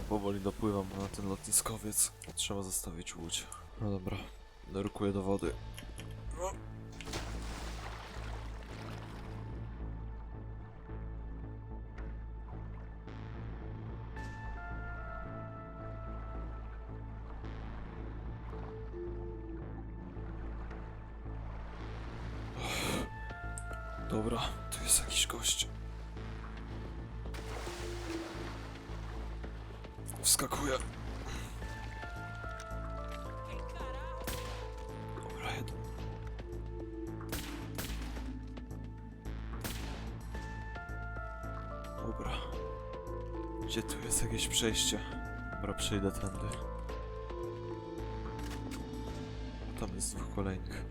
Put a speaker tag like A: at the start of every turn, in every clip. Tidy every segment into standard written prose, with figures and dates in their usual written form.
A: powoli dopływam na ten lotniskowiec. Trzeba zostawić łódź. No dobra, nurkuję do wody. No. Dobra, tu jest jakiś gość. Wskakuję. Dobra, jeden. Dobra. Gdzie tu jest jakieś przejście? Dobra, przejdę tędy. Tam jest dwóch kolejnych.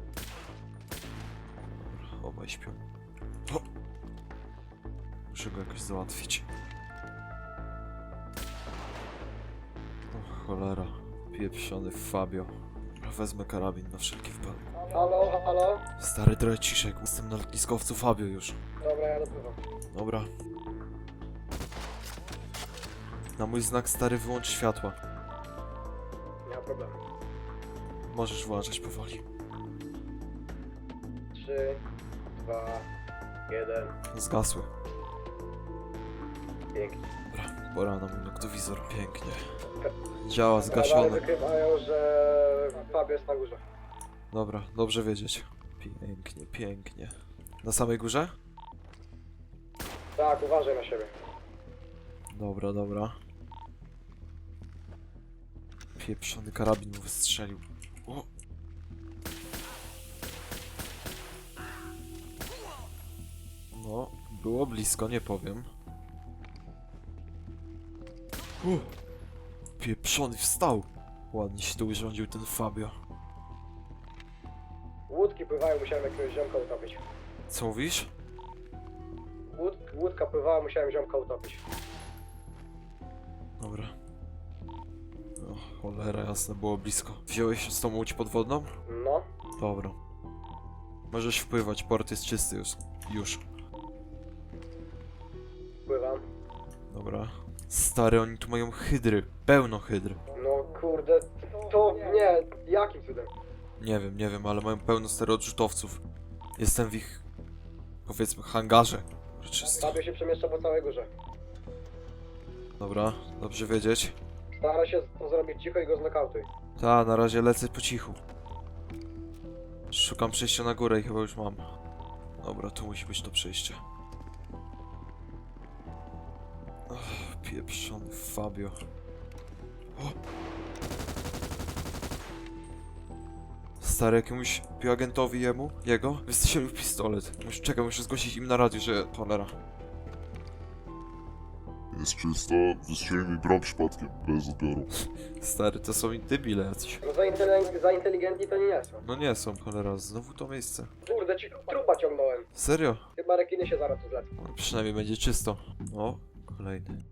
A: Dobra, obaj śpią. O! Muszę go jakoś załatwić. O cholera. Pieprzony Fabio. Dobra, wezmę karabin na wszelki wypadek.
B: Halo, halo?
A: Stary dreciszek, jestem na lotniskowcu Fabio już.
B: Dobra, ja dopływam.
A: Dobra. Na mój znak stary wyłącz światła.
B: Nie ma problemu.
A: Możesz włączać powoli.
B: 3, 2, 1.
A: Zgasły.
B: Pięknie.
A: Dobra, pora na mój noktowizor. Pięknie. Działa
B: Radary
A: zgaszone.
B: wykrywają, że Fabio jest na górze.
A: Dobra, dobrze wiedzieć. Pięknie, pięknie. Na samej górze?
B: Tak, uważaj na siebie.
A: Dobra, dobra. Pieprzony karabin mu wystrzelił. O! No, było blisko, nie powiem. Pieprzony wstał! Ładnie się tu urządził ten Fabio.
B: Łódki pływają, musiałem jakiegoś ziomka utopić.
A: Co mówisz?
B: Łódka pływała, musiałem ziomka utopić.
A: Dobra. O, cholera jasne, było blisko. Wziąłeś z tą łódź podwodną?
B: No,
A: Dobra. Możesz wpływać, port jest czysty już. Już.
B: pływam.
A: Dobra. Stary, oni tu mają hydry. Pełno hydr.
B: No kurde, to nie, jakim cudem?
A: Nie wiem, ale mają pełno stary odrzutowców. Jestem w ich, powiedzmy, hangarze. Czysto.
B: Fabio się przemieszcza po całej górze.
A: Dobra, dobrze wiedzieć.
B: Stara się to zrobić cicho i go znokautuj.
A: Ta, na razie lecę po cichu. Szukam przejścia na górę i chyba już mam. Dobra, tu musi być to przejście. Ach, pieprzony Fabio. O! Stary, jakiemuś bioagentowi jego, wystrzelił pistolet. Muszę zgłosić im na radiu, że cholera.
C: Jest czysto, wystrzelił mi broń przypadkiem, bez odbioru.
A: Stary, to są debile jacyś.
B: No za inteligentni to nie są.
A: No nie są, cholera, znowu to miejsce.
B: Kurde, trupa ciągnąłem.
A: Serio?
B: Chyba rekiny się zaraz tu zlecą.
A: No, przynajmniej będzie czysto. O, kolejny.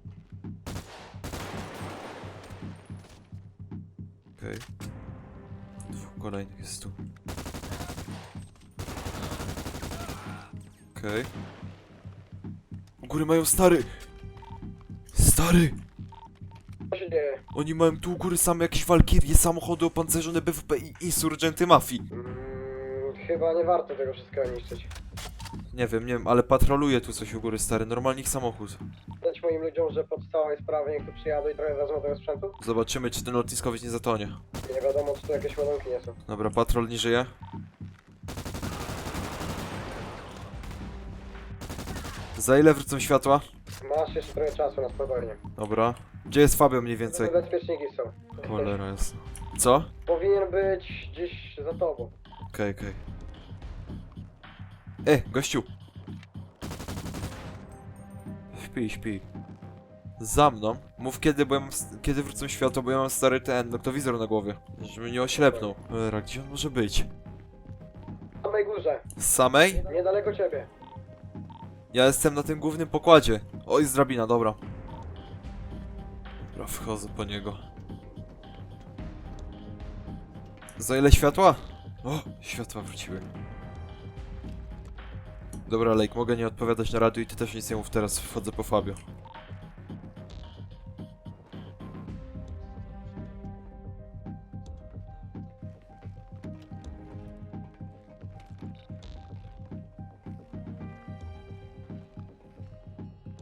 A: Okej. Dwóch kolejnych jest tu. Okej. U góry mają stary! Stary!
B: Co się dzieje?
A: Oni mają tu u góry same jakieś walkirie, samochody opancerzone BWP i insurgenty mafii.
B: Chyba nie warto tego wszystkiego niszczyć.
A: Nie wiem, ale patroluje tu coś u góry, stary, normalnie ich samochód.
B: Dać moim ludziom, że pod całej sprawy niech tu przyjadą i trochę wezmą tego sprzętu?
A: Zobaczymy, czy ten lotniskowiec nie zatonie.
B: Nie wiadomo, czy tu jakieś ładunki nie są.
A: Dobra, patrol nie żyje. Za ile wrócą światła?
B: Masz jeszcze trochę czasu na spokojnie.
A: Dobra. Gdzie jest Fabio mniej więcej?
B: Bezpieczniki są.
A: Cholera jest. Co?
B: Powinien być gdzieś za tobą.
A: Okej. Gościu! Śpi. Za mną. Mów kiedy wrócą światło, bo ja mam stary ten noktowizor na głowie. Żeby nie oślepnął. Cholera, gdzie on może być?
B: Na samej górze,
A: Z samej?
B: niedaleko ciebie.
A: Ja jestem na tym głównym pokładzie. O, jest drabina, dobra. Dobra, wchodzę po niego. Za ile światła? O, światła wróciły. Dobra, Lake, mogę nie odpowiadać na radiu i ty też nic nie mów teraz, wchodzę po Fabio.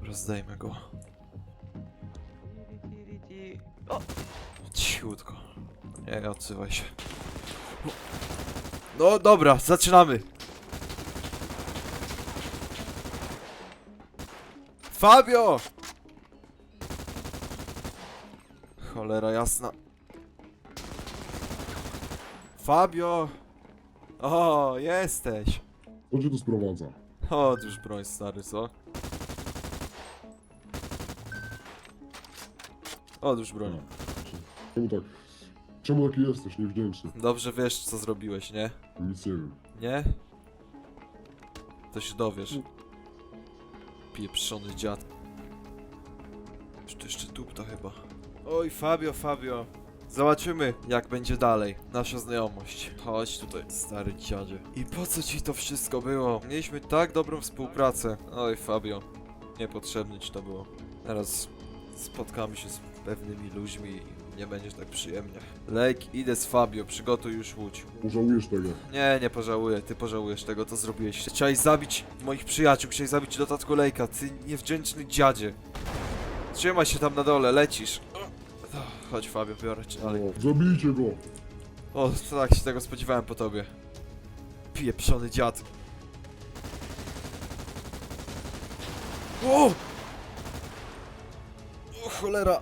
A: Dobra, zdejmę go.
D: O!
A: Cichutko. Nie odzywaj się. No dobra, zaczynamy. Fabio! Cholera jasna. Fabio! O, jesteś.
C: Co cię tu sprowadza?
A: Odłóż broń, stary, co? Odłóż broń.
C: Czemu tak? Czemu taki jesteś niewdzięczny?
A: Dobrze wiesz, co zrobiłeś, nie?
C: Nic nie wiem.
A: Nie? To się dowiesz. Pieprzony dziad. Czy to jeszcze tupta chyba? Oj, Fabio, Fabio. Zobaczymy, jak będzie dalej nasza znajomość. Chodź tutaj, stary dziadzie. I po co ci to wszystko było? Mieliśmy tak dobrą współpracę. Oj, Fabio. Niepotrzebne ci to było. Teraz spotkamy się z pewnymi ludźmi i nie będziesz tak przyjemnie. Lake, idę z Fabio, przygotuj już łódź.
C: Pożałujesz tego.
A: Nie pożałuję, ty pożałujesz tego, co zrobiłeś. Chciałeś zabić moich przyjaciół, chciałeś zabić dodatku Lake'a, ty niewdzięczny dziadzie. Trzymaj się tam na dole, lecisz. Chodź Fabio, biorę cię dalej.
C: O, zabijcie go!
A: O, tak się tego spodziewałem po tobie. Pieprzony dziad. O! O cholera!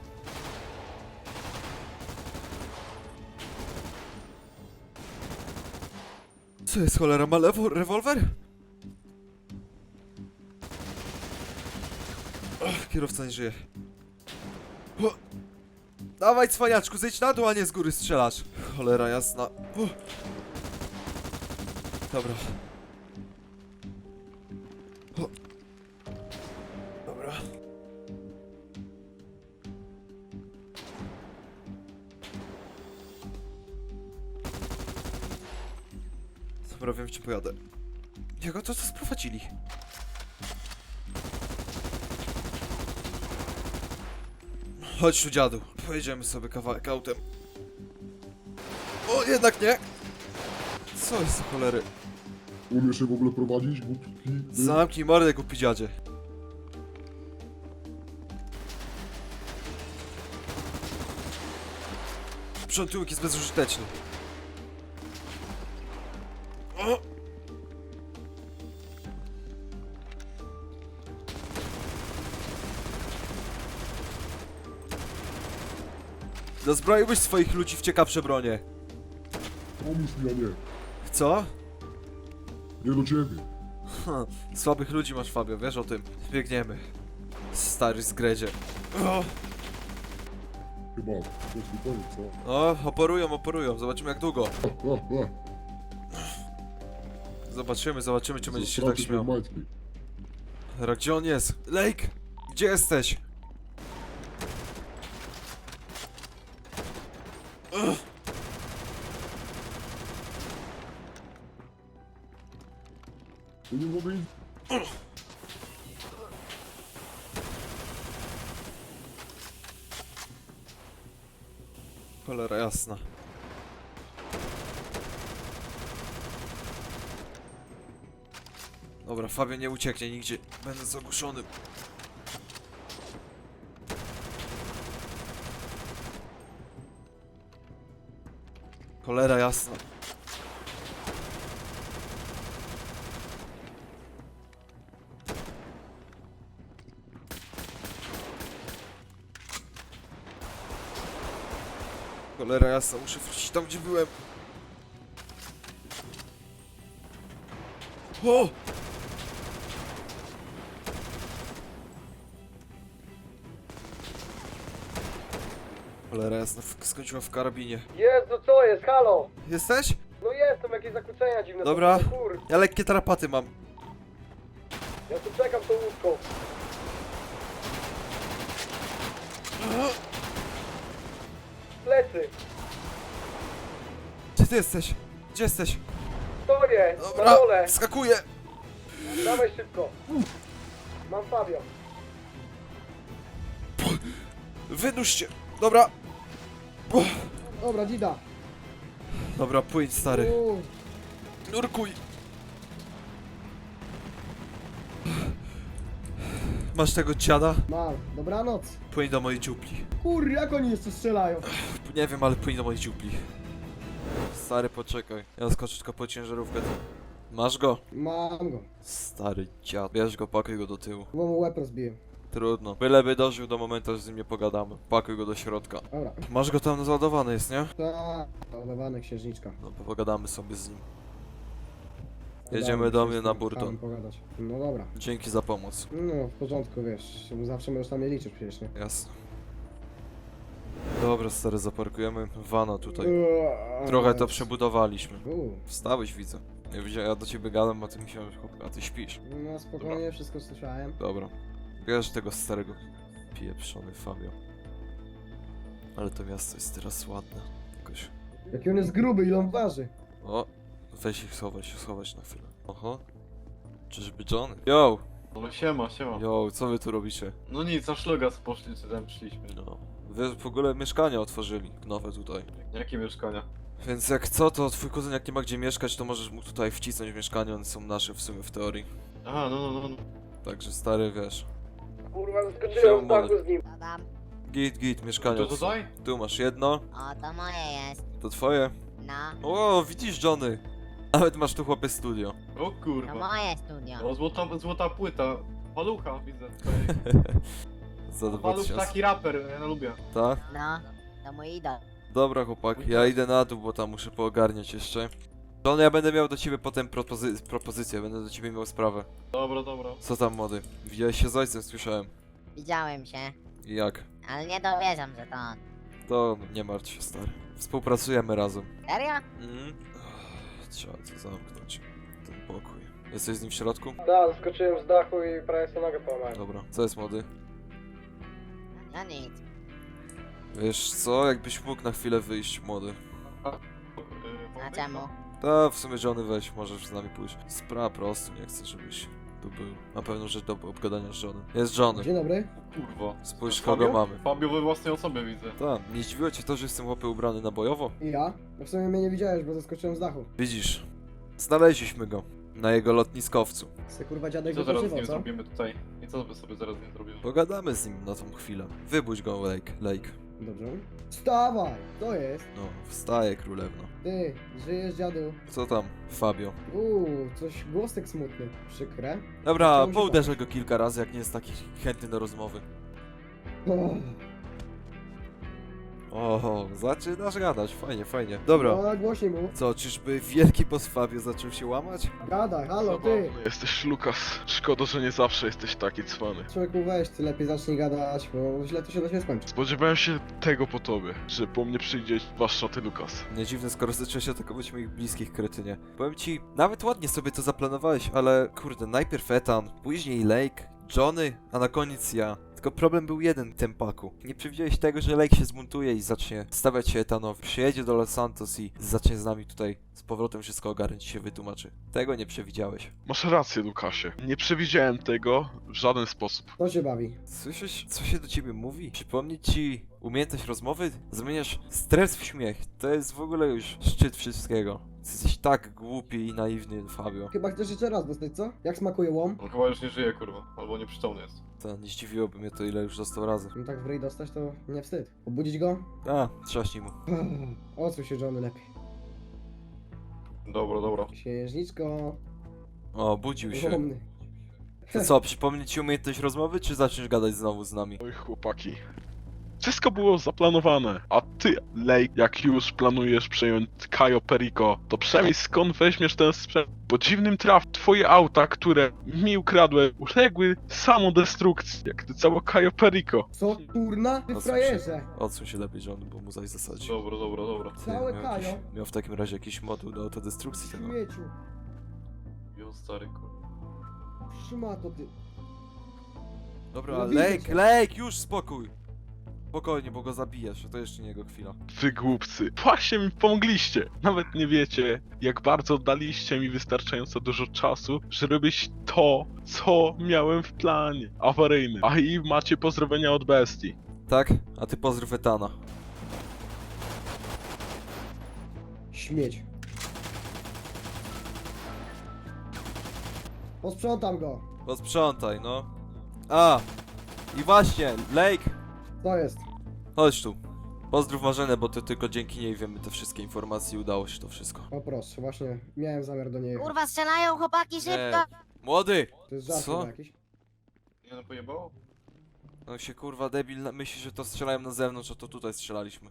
A: Co jest cholera? Ma rewolwer? Ach, kierowca nie żyje. O! Dawaj cwaniaczku, zejdź na dół, a nie z góry strzelasz. Cholera jasna. O! Dobra. O! Dobra. Dobra, wiem, gdzie pojadę. Jego to co sprowadzili? Chodź tu, dziadu. Pojedziemy sobie kawałek autem. O, jednak nie! Co jest za cholery?
C: Umiesz się w ogóle prowadzić, głupi? Ty?
A: Zamknij mordę, głupi dziadzie. Sprzątyłek jest bezużyteczny. O! Dozbroiłbyś swoich ludzi w ciekawsze bronie.
C: Pomóż mi, a nie.
A: Co?
C: Nie do ciebie.
A: Słabych ludzi masz, Fabio, wiesz o tym. Biegniemy. Stary zgredzie. O!
C: Chyba. To jest koniec, co?
A: O, oporują. Zobaczymy jak długo. Zobaczymy, czy będziesz się tak
C: Zastraszy
A: śmiał.
C: majtki.
A: Dobra, gdzie on jest? Lake! Gdzie jesteś? Ugh.
C: To nie mogę iść.
A: Cholera jasna. Dobra, Fabio nie ucieknie nigdzie, będąc ogłuszonym. Cholera jasna. Cholera jasna, muszę wrócić tam, gdzie byłem. O! Cholera jasna, skończyła w karabinie.
B: Jezu, co jest? Halo!
A: Jesteś?
B: No jestem, jakieś zakłócenia dziwne.
A: Dobra.
B: To, kur...
A: Ja lekkie tarapaty mam.
B: Ja tu czekam tą łódką. Plecy!
A: Gdzie ty jesteś? Gdzie jesteś?
B: Stoję! Na
A: Dobra,
B: dole!
A: skakuję!
B: Dawaj szybko! Mam Fabio.
A: Wynurz się! Dobra!
E: Dobra, Dida.
A: Dobra, płyń stary.
E: Uj,
A: Nurkuj! Masz tego dziada?
E: Mam. Dobranoc.
A: Płyń do mojej dziupli.
E: Kur, jak oni jeszcze strzelają?
A: Nie wiem, ale płyń do mojej dziupli. Stary, poczekaj. Ja skoczę tylko po ciężarówkę. Masz go?
E: Mam go.
A: Stary dziad. Bierz go, pakuj go do tyłu.
E: Bo mu łeb rozbiłem.
A: Trudno. Byleby dożył do momentu, że z nim nie pogadamy. Pakuj go do środka.
E: Dobra.
A: Masz go tam załadowany jest, nie?
E: Tak. Ładowane księżniczka.
A: No to pogadamy sobie z nim. Jedziemy do mnie na Burton.
E: Chciałem pogadać. No dobra.
A: Dzięki za pomoc.
E: No, w porządku, wiesz. Zawsze możesz na mnie liczyć przecież, nie?
A: Jasne. Dobra, stary, zaparkujemy vana tutaj. Trochę to przebudowaliśmy. Wstałeś, widzę. Ja do ciebie gadam, a ty myślałem, a ty śpisz.
E: No spokojnie, wszystko słyszałem.
A: Dobra. Bierz tego starego pieprzony Fabio. Ale to miasto jest teraz ładne. Jakoś...
E: Jaki on jest gruby, ile on waży?
A: O! Weź ich schować na chwilę. Oho. Czyżby John? Yo!
D: No siema, siema.
A: Yo, co wy tu robicie?
D: No nic, na szlugas poszli, czy tam przyszliśmy.
A: No. Wy w ogóle mieszkania otworzyli, nowe tutaj.
D: Jakie mieszkania?
A: Więc jak co, to twój kuzyn jak nie ma gdzie mieszkać, to możesz mu tutaj wcisnąć w mieszkanie, one są nasze w sumie w teorii.
D: Aha, no.
A: Także stary, wiesz.
B: Kurwa,
A: Siema,
B: skoczyłem z dachu z nim.
F: Co tam?
A: Git, mieszkanie.
D: To tutaj?
A: Tu masz jedno,
F: O, to moje jest.
A: to twoje.
F: No,
A: O, widzisz Johnny? Nawet masz tu chłopie studio.
D: O
F: to
D: kurwa.
F: moje studio.
D: O, złota płyta. Palucha, widzę tutaj.
A: Za
D: Paluch
A: 2000.
D: taki raper, ja lubię.
A: Tak?
F: No, to mój idol.
A: Dobra chłopak, ja idę na dół, bo tam muszę poogarniać jeszcze. Johnny, ja będę miał do ciebie potem propozycję, będę do ciebie miał sprawę.
D: Dobra.
A: Co tam młody? Widziałeś się z ojcem, słyszałem.
F: Widziałem się,
A: I jak?
F: ale nie dowierzam, że to on.
A: To nie martw się stary. Współpracujemy razem.
F: Serio?
A: Trzeba to zamknąć. Ten pokój. Jesteś z nim w środku?
B: Tak, skoczyłem z dachu i prawie sobie nogę połamałem.
A: Dobra. Co jest młody?
F: No nic.
A: Wiesz co, jakbyś mógł na chwilę wyjść młody.
F: A czemu?
A: Ta w sumie Johnny weź, możesz z nami pójść. Sprawa prosto, nie chcę żebyś tu był. Na pewno rzecz do obgadania z Johnnym. Jest Johnny.
E: Dzień dobry.
D: Kurwa.
A: Spójrz
D: Fabio?
A: kogo mamy.
D: Fabio we własnej osobie widzę.
A: Tak, nie zdziwiło cię to, że jestem chłopy ubrany na bojowo?
E: I ja? No w sumie mnie nie widziałeś, bo zeskoczyłem z dachu.
A: Widzisz, znaleźliśmy go. Na jego lotniskowcu.
E: Se kurwa
D: I
E: dziadek
D: co teraz z
E: wypoczywał,
D: nim
E: co?
D: zrobimy tutaj? I co by sobie zaraz z nim zrobimy?
A: Pogadamy z nim na tą chwilę. Wybudź go, Lake.
E: Dobrze. Wstawaj! To jest.
A: No, wstaje królewno.
E: Ty, żyjesz dziadu.
A: Co tam, Fabio?
E: Coś głosek smutny. Przykre.
A: Dobra,
E: Chciałbym się
A: pouderzę go kilka razy, jak nie jest taki chętny do rozmowy.
E: O,
A: O, zaczynasz gadać, fajnie. Dobra.
E: no, głośniej mu.
A: Co, czyżby wielki boss Fabio zaczął się łamać?
E: Gadaj, halo, ty.
G: Jesteś Lukas. Szkoda, że nie zawsze jesteś taki cwany.
E: Człowieku, weź, ty lepiej zacznij gadać, bo źle to się na ciebie skończy.
G: Spodziewałem się tego po tobie, że po mnie przyjdzie zwłaszcza ty, Lukas.
A: Nie dziwne, skoro zacząłeś atakować moich bliskich, kretynie. Powiem ci, nawet ładnie sobie to zaplanowałeś, ale kurde, najpierw Ethan, później Lake, Johnny, a na koniec ja. Tylko problem był jeden w tym paku. Nie przewidziałeś tego, że Lake się zbuntuje i zacznie stawiać się Ethanowi. Przyjedzie do Los Santos i zacznie z nami tutaj z powrotem wszystko ogarnąć i się wytłumaczy. Tego nie przewidziałeś.
G: Masz rację, Lukasie. Nie przewidziałem tego w żaden sposób.
E: To się bawi.
A: Słyszysz, co się do ciebie mówi? Przypomnieć ci umiejętność rozmowy? Zamieniasz stres w śmiech. To jest w ogóle już szczyt wszystkiego. Jesteś tak głupi i naiwny, Fabio.
E: Chyba chcesz jeszcze raz dostać, co? Jak smakuje łom?
D: On chyba już nie żyje, kurwa. Albo nieprzytomny jest.
A: To nie zdziwiłoby mnie to, ile już dostał razy.
E: No tak w ryj dostać, to nie wstyd. Obudzić go?
A: A, trzaśnij mu.
E: Odsuń się, Johnny, lepiej.
D: Dobra.
E: Księżniczko.
A: O, budził się.
E: Łomny.
A: To co, przypomnieć ci umiejętność rozmowy, czy zaczniesz gadać znowu z nami?
G: Oj, chłopaki. Wszystko było zaplanowane, a ty, Lake, jak już planujesz przejąć Cayo Perico, to przynajmniej skąd weźmiesz ten sprzęt? Po dziwnym traf, twoje auta, które mi ukradłem, uległy samodestrukcji, jak ty całe Cayo Perico.
E: Co kurna? Ty
A: Odsuń
E: frajerze!
A: Odsuń się lepiej, John, bo mu zaś zasadzi.
D: Dobra.
A: Ty,
E: Całe
A: miał
E: Kajo.
A: miał w takim razie jakiś moduł do autodestrukcji tego.
E: Śmieciu.
D: Jo, stary, kurwa.
E: Szmato ty.
A: Dobra,
E: No widzę
A: Lake,
E: cię.
A: Lake, już spokój! Spokojnie, bo go zabijasz, to jeszcze nie jego chwila.
G: Wy głupcy, właśnie mi pomogliście. Nawet nie wiecie, jak bardzo daliście mi wystarczająco dużo czasu, żeby robić to, co miałem w planie. Awaryjny. A i macie pozdrowienia od bestii.
A: Tak? A ty pozdrów Ethana.
E: Śmieć. Posprzątam go.
A: Posprzątaj, no. A! I właśnie, Lake!
E: Co jest?
A: Chodź tu. Pozdrów Marzenę, bo to tylko dzięki niej wiemy te wszystkie informacje i udało się to wszystko.
E: O proszę, właśnie miałem zamiar do niej jechać.
F: Kurwa, strzelają chłopaki, szybko!
A: Młody!
E: To jest żart
A: Co?
E: chyba jakiś?
D: Nie no pojebało?
A: No się kurwa debil myśli, że to strzelają na zewnątrz, a to tutaj strzelaliśmy.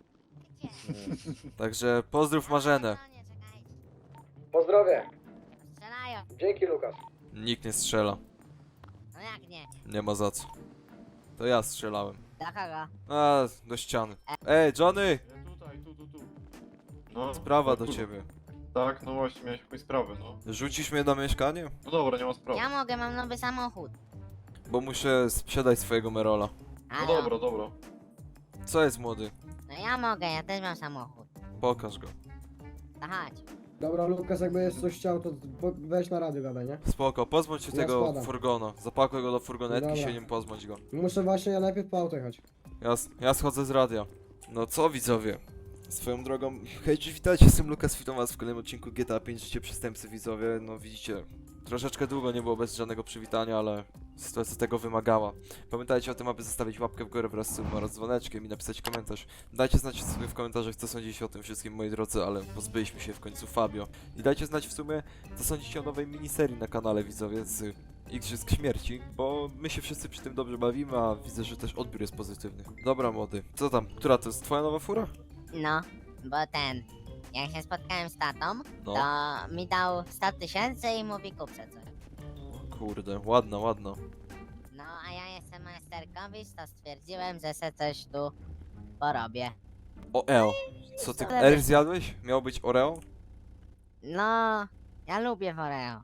A: Także pozdrów Marzenę.
F: Nie, czekajcie.
B: Pozdrowie.
F: Strzelają.
B: Dzięki, Lukas.
A: Nikt nie strzela.
F: No jak nie?
A: Nie ma za co. To ja strzelałem.
F: Do kogo?
A: A, do ściany. Ej, Johnny!
D: Tutaj, tu. No,
A: Sprawa
D: no,
A: do
D: kurwa.
A: ciebie.
D: Tak, no właśnie, miałeś jakąś sprawę, no.
A: Rzucisz mnie na mieszkanie?
D: No dobra, nie ma sprawy.
F: Ja mogę, mam nowy samochód.
A: Bo muszę sprzedać swojego Merola.
D: No
F: Halo?
D: dobra.
A: Co jest młody?
F: No ja mogę, ja też mam samochód.
A: Pokaż go.
F: To chodź.
E: Dobra, Lukas, jakby jest coś chciał, to weź na radio gadaj, nie?
A: Spoko, pozbądź się
E: Ja
A: tego
E: składam.
A: furgona. Zapakuj go do furgonetki,
E: Dobra.
A: się nim pozbądź go.
E: Muszę właśnie ja najpierw po auto jechać.
A: Ja schodzę z radia. No co widzowie? Swoją drogą, hej, cześć, witajcie, jestem Lukas, witam was w kolejnym odcinku GTA 5 Życie Przestępcy, widzowie. No widzicie, troszeczkę długo nie było bez żadnego przywitania, ale sytuacja tego wymagała. Pamiętajcie o tym, aby zostawić łapkę w górę wraz z subem oraz dzwoneczkiem i napisać komentarz. Dajcie znać sobie w komentarzach, co sądzicie o tym wszystkim, moi drodzy, ale pozbyliśmy się w końcu Fabio. I dajcie znać w sumie, co sądzicie o nowej miniserii na kanale, widzowie, z Igrzysk Śmierci, bo my się wszyscy przy tym dobrze bawimy, a widzę, że też odbiór jest pozytywny. Dobra, młody, co tam? Która to jest twoja nowa fura?
F: No, bo jak się spotkałem z tatą,
A: No.
F: to mi dał 100 tysięcy i mówi kup se coś.
A: Kurde, ładna, ładna.
F: No, a ja jestem majsterkowicz, to stwierdziłem, że se coś tu porobię.
A: Oreo. Co ty,
F: Ale
A: R
F: wiesz-
A: zjadłeś? Miał być Oreo?
F: No, ja lubię Oreo.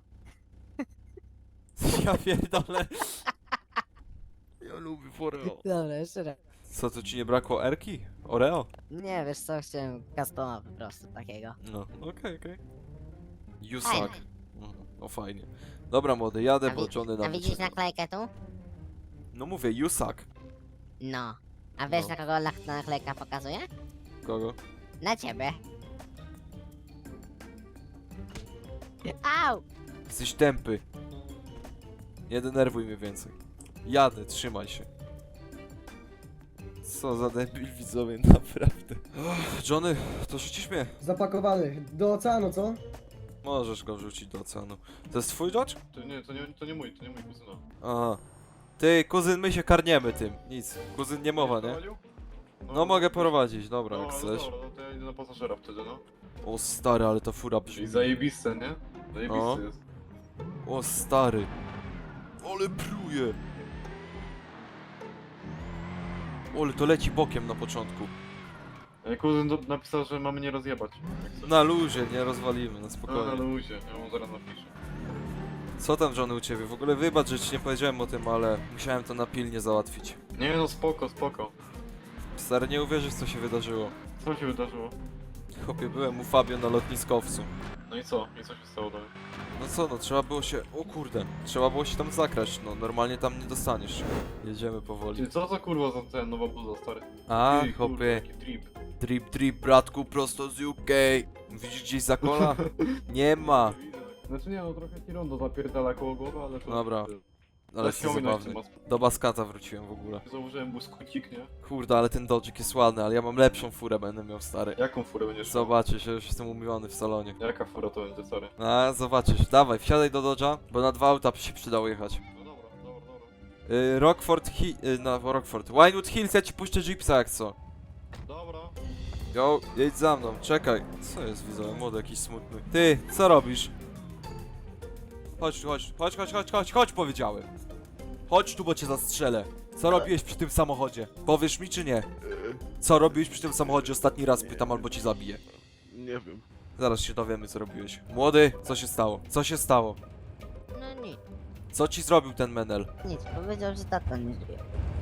A: Ja pierdolę. Ja lubię Oreo.
F: Dobra, jeszcze raz.
A: Co, to ci nie brakło Erki? Oreo?
F: Nie, wiesz co, chciałem customa po prostu takiego.
A: No, okej. You
F: Fajne.
A: suck. No fajnie. Dobra, młody, jadę, bo Johnny
F: A
A: nam
F: widzisz
A: wycieka.
F: naklejkę tu?
A: No mówię, you suck.
F: No. A wiesz
A: No.
F: na kogo naklejka pokazuje?
A: Kogo?
F: Na ciebie. Au!
A: Jesteś tępy. Nie denerwuj mnie więcej. Jadę, trzymaj się. Co za debil, widzowie, naprawdę. Johnny, to rzucisz mnie?
E: Zapakowany. Do oceanu, co?
A: Możesz go wrzucić do oceanu. To jest twój Dodge?
D: To nie mój kuzyna.
A: Aha. Ty, kuzyn, my się karniemy tym. Nic. Kuzyn nie mowa, nie?
D: Prowadził?
A: No mogę prowadzić, dobra, jak
D: No,
A: chcesz.
D: dobra, no to ja idę na pasażera wtedy, no.
A: O stary, ale ta fura
D: Czyli
A: brzmi.
D: zajebiste, nie?
A: No.
D: Zajebiste jest.
A: O stary. Ale pruje. Ole, to leci bokiem na początku.
D: Kuzyn napisał, że mamy nie rozjebać. jak coś.
A: Na luzie, nie rozwalimy, na
D: No, na
A: spokojnie.
D: luzie, ja mu zaraz napiszę.
A: Co tam, Johnny, u ciebie? W ogóle wybacz, że ci nie powiedziałem o tym, ale musiałem to na pilnie załatwić.
D: Nie no, spoko.
A: Stary, nie uwierzysz, co się wydarzyło.
D: Co się wydarzyło?
A: Chłopie, byłem u Fabio na lotniskowcu.
D: No i co? I co się stało dalej?
A: No co, no trzeba było się... O kurde, trzeba było się tam zakraść, no normalnie tam nie dostaniesz. Jedziemy powoli.
D: Ty, co za kurwa za ten nowa bluza, stary?
A: A,
D: Ty, kurwa,
A: chłopie,
D: jaki trip.
A: drip, bratku, prosto z UK. Widzisz gdzieś zakola? Nie ma.
D: Znaczy nie no, trochę ci rondo zapierdala koło głowy, ale to...
A: Dobra, ale jest
D: Zaciągnąć
A: zabawny.
D: ten
A: Do Baskata wróciłem w ogóle.
D: Założyłem błyskocik, nie?
A: Kurde, ale ten Dodge'ik jest ładny, ale ja mam lepszą furę, będę miał, stary.
D: Jaką furę będziesz miał?
A: Zobaczysz, ja już jestem umówiony w salonie.
D: Jaka fura to będzie, stary?
A: A, zobaczysz. Dawaj, wsiadaj do Dodge'a, bo na 2 auta się przydało jechać.
D: No dobra.
A: Rockford Rockford. Winewood Hills, ja ci puszczę Jeepsa jak co.
D: Dobra.
A: Yo, jedź za mną, czekaj. Co jest, widzowie, młody jakiś smutny. Ty, co robisz? Chodź tu, chodź, powiedziałem. Chodź tu, bo cię zastrzelę. Co robiłeś przy tym samochodzie? Powiesz mi czy nie? Co robiłeś przy tym samochodzie ostatni raz, pytam, albo ci zabiję.
G: Nie wiem.
A: Zaraz się dowiemy, co robiłeś. Młody, co się stało? Co się stało?
F: No nic,
A: Co ci zrobił ten menel?
F: nic. Powiedział, że tata nie żyje.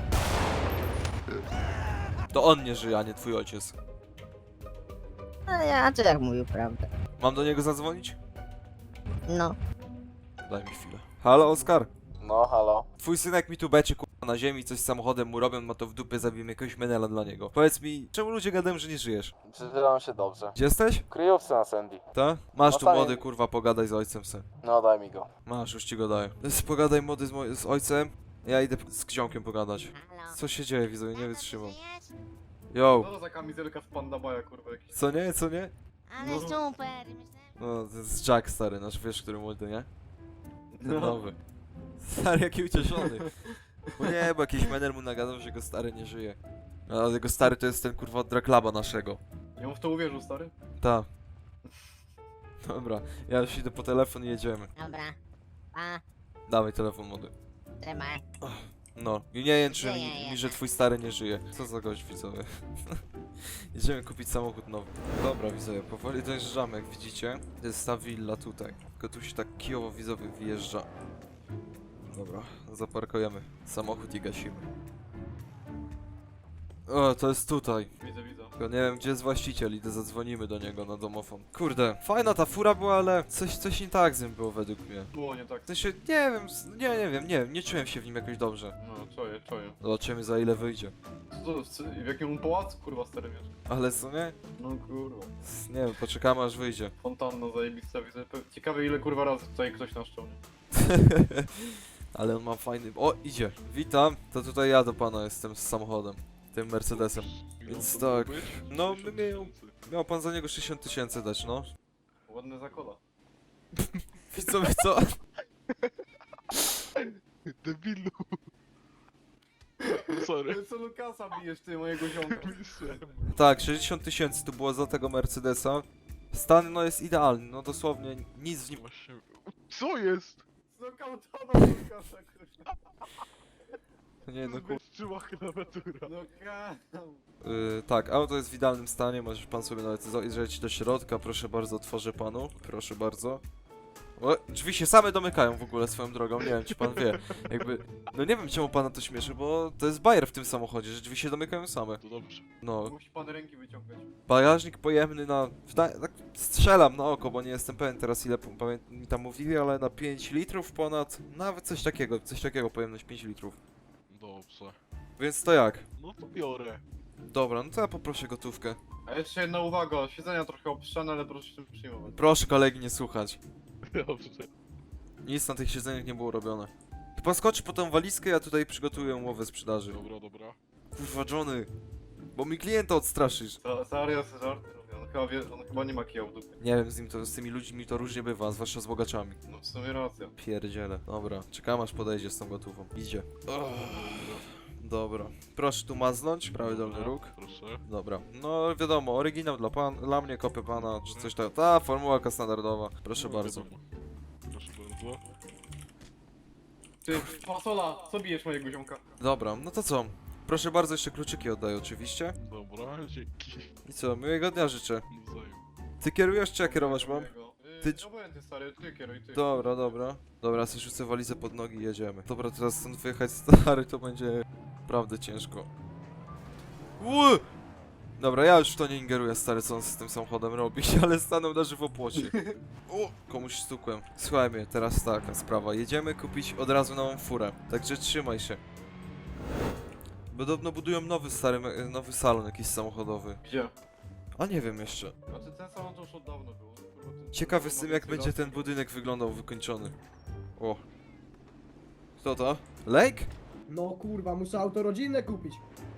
A: To on nie żyje, a nie twój ojciec.
F: A czy jak mówił prawdę?
A: Mam do niego zadzwonić?
F: No.
A: Daj mi chwilę. Halo, Oskar?
H: No, halo.
A: Twój synek mi tu beczy kurwa na ziemi, coś z samochodem mu robią, ma to w dupie, zabijmy jakiegoś menela dla niego. Powiedz mi, czemu ludzie gadają, że nie żyjesz?
H: Przeżywam się dobrze.
A: Gdzie jesteś?
H: W kryjówce na Sandy.
A: Ta? Masz
H: No
A: tu
H: tam-
A: młody, kurwa, pogadaj z ojcem se.
H: No, daj mi go.
A: Masz, już ci go daję. Pogadaj młody z ojcem. Ja idę z Ksiąkiem pogadać.
F: Halo.
A: Co się dzieje, widzowie, nie
F: Tato,
A: wytrzymam.
F: ty żyjesz?
A: Yo!
D: Co to za kamizelka z Panda Baja, kurwa, jakiś.
A: Co nie, co nie?
F: Ale
D: No.
F: super, myślałem...
A: No, to jest Jack stary, nasz wiesz, który młody, nie? Ten
D: No.
A: nowy. Stary, jaki ucieszony. Bo nie, bo jakiś menel mu nagadał, że jego stary nie żyje. A jego stary to jest ten kurwa od Draklaba naszego.
D: Ja mu w to uwierzył, stary.
A: Ta. Dobra, ja już idę po telefon i jedziemy.
F: Dobra. Pa,
A: Dawaj telefon młody.
F: trzymaj.
A: No, i nie jęczy
F: Żyje
A: mi,
F: jednak.
A: że twój stary nie żyje. Co za gość, widzowie. Jedziemy kupić samochód nowy. Dobra, widzowie, powoli dojeżdżamy, jak widzicie. To jest ta willa tutaj. Tylko tu się tak kijowo, widzowie, wjeżdża. Dobra, zaparkujemy samochód i gasimy. O, to jest tutaj.
D: Widzę, widzę.
A: Tylko nie wiem, gdzie jest właściciel, idę zadzwonimy do niego na domofon. Kurde, fajna ta fura była, ale coś nie tak z nim było według mnie.
D: Było nie tak.
A: W sensie, nie wiem, nie wiem, nie czułem się w nim jakoś dobrze.
D: No, czuję.
A: Zobaczymy za ile wyjdzie.
D: W jakim pałacu, kurwa, stary mieszka?
A: Ale co nie?
D: No, kurwa.
A: Nie wiem, poczekamy aż wyjdzie.
D: Fontanna zajebista, widzę. Ciekawe ile, kurwa, razy tutaj ktoś naszczał, nie?
A: Ale on ma fajny... O, idzie. Witam, to tutaj ja do pana jestem z samochodem. Tym Mercedesem. Więc tak, no, miał pan za niego 60 000 dać, no.
D: Ładne zakola.
A: Widzowie, co?
G: Debilu. Sorry.
D: Co Lukasa bijesz, ty, mojego ziomka?
A: Tak, 60 000 to było za tego Mercedesa. Stan, no jest idealny, no dosłownie nic w nim...
G: Właśnie... Co jest?
D: Znokautował Lukasa, kurwa.
A: Nie, no kur...
G: Bezczyła klawiatura.
D: No
A: Tak, auto jest w idealnym stanie, możesz pan sobie nawet zajrzeć do środka, proszę bardzo, otworzę panu, proszę bardzo. O, drzwi się same domykają w ogóle swoją drogą, nie wiem czy pan wie, jakby, no nie wiem czemu pana to śmieszy, bo to jest bajer w tym samochodzie, że drzwi się domykają same.
G: To dobrze.
A: No,
D: Musi pan ręki wyciągać.
A: bagażnik pojemny na, tak strzelam na oko, bo nie jestem pewien teraz ile mi tam mówili, ale na 5 litrów ponad, nawet coś takiego pojemność 5 litrów.
G: Dobrze.
A: Więc to jak?
G: No to biorę.
A: Dobra, no to ja poproszę gotówkę.
D: A jeszcze jedna uwaga, siedzenia trochę obszczane, ale proszę się tym przyjmować.
A: Proszę kolegi nie słuchać.
G: Dobrze.
A: Nic na tych siedzeniach nie było robione. Chyba skoczy po tą walizkę, ja tutaj przygotuję umowę sprzedaży.
G: Dobra.
A: Kurwa, Johnny. Bo mi klienta odstraszysz.
D: Serio, żarty robię. On chyba nie ma kija w dupie.
A: Nie wiem, z tymi ludźmi to różnie bywa, zwłaszcza z bogaczami.
D: No w sumie racja.
A: Pierdziele. Dobra, czekam aż podejdzie z tą gotówą. Idzie. Dobra. Proszę tu maznąć, prawy dolny róg.
G: Proszę.
A: Dobra. No wiadomo, oryginał dla mnie, kopię pana, czy coś tak. Ta formułka standardowa. Proszę
G: No,
A: bardzo.
G: wiadomo. Proszę bardzo.
D: Ty, fasola, co bijesz mojego ziomka?
A: Dobra, no to co? Proszę bardzo, jeszcze kluczyki oddaję oczywiście.
G: Dobra, dzięki.
A: I co, miłego dnia życzę.
G: Nawzajem.
A: Ty kierujesz, czy ja kierować mam? Ty-
D: Ty... Obojętnie stary, ty kieruj, ty.
A: Dobra, dobra. Dobra, sobie rzucę walizę pod nogi i jedziemy. Dobra, teraz stąd wyjechać stary, to będzie naprawdę ciężko. Ły! Dobra, ja już w to nie ingeruję, stary, co on z tym samochodem robi, ale stanął na żywopłocie. O! Komuś stukłem. Słuchaj mnie, teraz taka sprawa. Jedziemy kupić od razu nową furę, także trzymaj się. Podobno budują nowy salon jakiś samochodowy.
D: Gdzie?
A: A nie wiem jeszcze.
D: Znaczy ten salon to już od dawna było. Kurwa, ten-
A: Ciekawy z tym, jak będzie ten budynek wyglądał wykończony. O. Kto to? Lake?
E: No kurwa, muszę auto rodzinne kupić.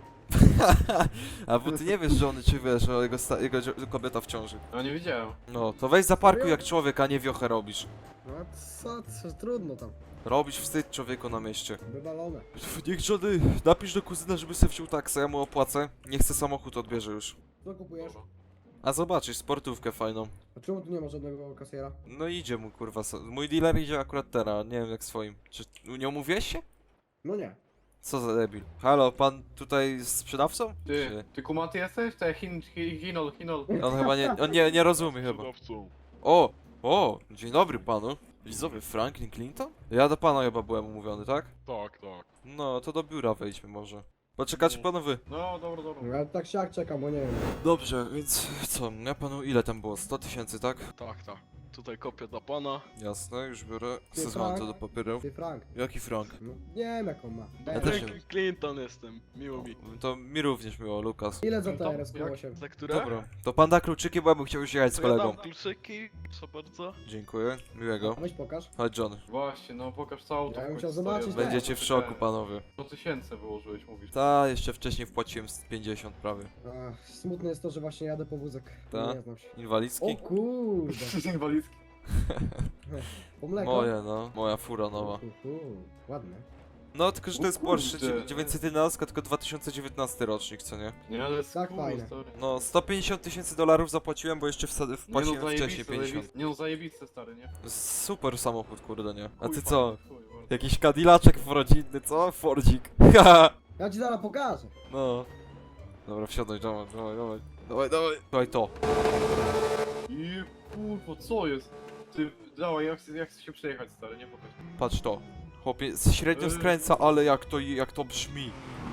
A: A bo ty nie wiesz żony, czy wiesz, że jego kobieta w ciąży.
D: No nie widziałem.
A: No, to weź zaparkuj jak człowiek, a nie wiochę robisz.
E: No co trudno tam.
A: Robisz wstyd człowieku na mieście.
E: Wywalone.
A: Niech żony napisz do kuzyna, żeby se wziął taksę, ja mu opłacę. Nie chcę samochód, odbierze już.
E: Co kupujesz?
D: Dobra.
A: A zobaczysz, sportówkę fajną.
E: A czemu tu nie ma żadnego kasjera?
A: No idzie mu kurwa, mój dealer idzie akurat teraz, nie wiem jak swoim. Czy nie umówiłeś się?
E: No nie.
A: Co za debil. Halo, pan tutaj jest sprzedawcą?
D: Ty kumaty jesteś? Te Hinol.
A: On chyba nie rozumie chyba.
G: Sprzedawcą.
A: O, dzień dobry panu. Widzowie, Franklin Clinton? Ja do pana chyba byłem umówiony, tak?
G: Tak.
A: No, to do biura wejdźmy może. Poczekacie panowie?
D: No dobra.
E: No ja tak siak czekam, bo nie wiem.
A: Dobrze, więc co, ja panu ile tam było? 100 000, tak?
G: Tak. tutaj kopia dla pana.
A: Jasne, już biorę.
E: Ty,
A: Sezon to
E: Frank?
A: do papierów.
E: Ty Frank.
A: Jaki Frank?
E: No, nie wiem jaką ma.
A: Ja też nie.
G: Clinton jestem, miło mi.
A: To mi również miło, Lukas.
E: Ile za
D: To-
E: TRS-8?
G: Za które?
A: Dobra, to pan da kluczyki, bo ja bym chciał już jechać z
G: To ja
A: kolegą.
G: dam kluczyki, proszę bardzo.
A: Dziękuję, miłego.
E: Weź pokaż.
A: Chodź John.
D: Właśnie, no pokaż co auto.
E: Ja bym
D: w
E: chciał
D: końcu
E: zobaczyć,
D: stoi.
E: tak.
A: Będziecie w szoku, panowie.
D: 100 000 wyłożyłeś, mówisz.
A: Ta, jeszcze wcześniej wpłaciłem z 50 prawie.
E: Ach, smutne jest to, że właśnie jadę po wózek.
A: Ta?
E: Nie znam się.
A: Inwalidzki?
E: O kurde.
D: Inwalidzki.
E: Po mleko?
A: Moje, no. Moja fura nowa.
E: Ładne.
A: No, tylko że to
D: O
A: jest Porsche
D: kurde.
A: 911, tylko 2019 rocznik, co nie?
D: Nie, ale
E: Tak, fajne.
D: stary.
A: No, 150 tysięcy dolarów zapłaciłem, bo jeszcze wpłaciłem wcześniej 50.
D: Nie no zajebiste, stary, nie?
A: Super samochód, kurde, nie? A
D: Chuj
A: ty co?
D: fajny, chuj, bardzo.
A: Jakiś Cadillacek rodzinny, co? Fordzik. Haha.
E: Ja ci zaraz pokażę.
A: No. Dobra, wsiadaj, dawaj, dawaj, dawaj. Dawaj, dawaj. Dawaj to.
D: I kurwa, co jest? Ty, dawaj, jak chcesz się przejechać, stary, nie pokaż.
A: Patrz to. Chłopie, średnio skręca, ale jak to brzmi.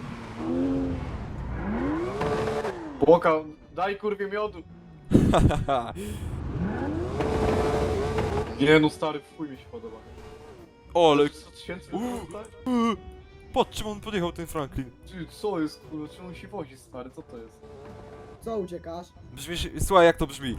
D: Boka, daj kurwie miodu. Nie no, stary, w chuj mi się podoba.
A: Ole,
D: 100 000
A: Uuu.
D: stary?
A: patrz czym on podjechał, ten Franklin.
D: Ty, co jest, kurwa, czemu on się wozi, stary, co to jest?
E: Co uciekasz?
A: Brzmi, słuchaj jak to brzmi.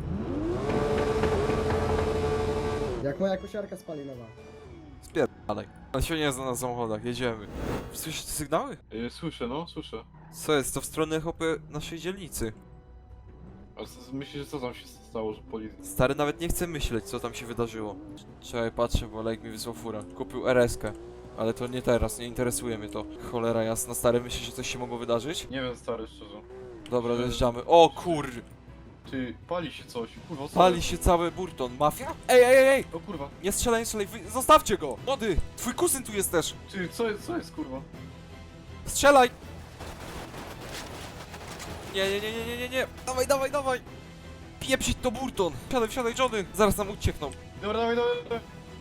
E: Jak moja kosiarka spalinowa.
A: Spierdalaj. On się nie zna na samochodach, jedziemy. Słyszysz te sygnały?
D: Słyszę, no, słyszę.
A: Co jest? To w stronę chłopie naszej dzielnicy.
D: A myślisz, że co tam się stało, że policja...
A: Stary nawet nie chce myśleć, co tam się wydarzyło. Czekaj, patrzę, bo Lejk mi wysłał furę. Kupił RS-kę. Ale to nie teraz, nie interesuje mnie to. Cholera jasna, stary, myślisz, że coś się mogło wydarzyć?
D: Nie wiem, stary, szczerze.
A: Dobra, dojeżdżamy. O kur...
D: Ty, pali się coś, kurwa, co
A: Pali
D: jest?
A: się cały Burton. Mafia? Ej!
D: O kurwa,
A: Nie strzelaj, nie strzelaj, zostawcie go! Młody! Twój kuzyn tu jest też!
D: ty, co jest, kurwa?
A: Strzelaj! Nie! Dawaj! Pieprzyć to Burton! Wsiadaj, Johnny! Zaraz nam uciekną.
D: Dobra, dawaj.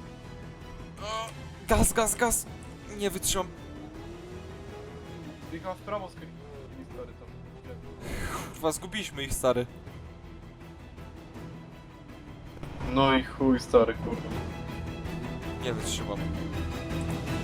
A: Gaz! Nie wytrzymam.
D: Jechała w prawo z stary, tam.
A: Kurwa, zgubiliśmy ich, stary.
D: No i chuj, stary, kurwa.
A: Nie wytrzymam.